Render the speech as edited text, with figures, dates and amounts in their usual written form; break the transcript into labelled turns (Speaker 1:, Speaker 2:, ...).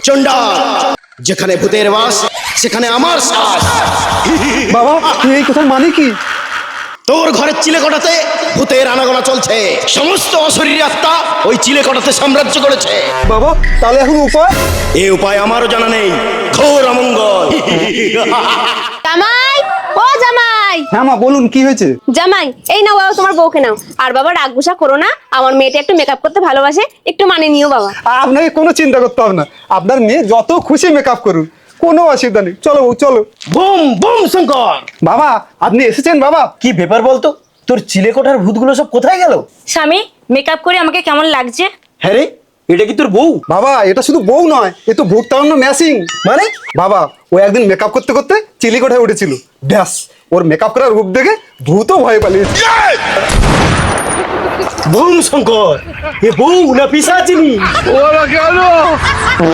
Speaker 1: চন্ডাল, যেখানে ভূতের বাস সেখানে আমার শ্বাস।
Speaker 2: বাবা এই কথা মানে কি?
Speaker 1: তোর ঘরের চিলেকোঠাতে ভূতের আনাগোনা চলছে, সমস্ত অশরীরী আত্মা ওই চিলেকোঠাতে সাম্রাজ্য করেছে।
Speaker 2: বাবা তাহলে এখন উপায়?
Speaker 1: এ উপায় আমারও জানা নেই, ঘোর অমঙ্গল।
Speaker 3: জামাই, ও জামাই।
Speaker 2: হ্যাঁ মা বলুন, কি হয়েছে?
Speaker 3: জামাই এই নাও বাবা তোমার বউকে নাও। আর বাবা রাগ গুসা করো না, আমার মেয়েটা একটু মেকআপ করতে ভালোবাসে, একটু মানিয়ে নিও বাবা।
Speaker 2: আপনাকে কোনো চিন্তা করতে হবে না, আপনার মেয়ে যত খুশি মেকআপ করুন, কোনো অসুবিধা নেই। চলো বউ চলো।
Speaker 1: Boom boom Shankar.
Speaker 2: বাবা আপনি এসেছেন? বাবা
Speaker 4: কি ব্যাপার বলতো, তোর চিলেকোঠার ভূতগুলো সব কোথায় গেল?
Speaker 5: স্বামী, মেকআপ করে আমাকে কেমন লাগছে?
Speaker 4: হ্যাঁ রে, এটা কি তোর বউ?
Speaker 2: বাবা এটা শুধু বউ নয়, এ তো ভূত তাড়ানো মেশিন।
Speaker 4: মানে?
Speaker 2: বাবা ও একদিন মেকআপ করতে করতে চিলিকোঠায় উঠেছিল, ব্যাস ওর মেকআপ করার রূপ দেখে ভূতও ভয় পালিয়েছে।
Speaker 4: বুম শঙ্কর, এ বউ না পিশাচিনী?
Speaker 2: ওরা গেল।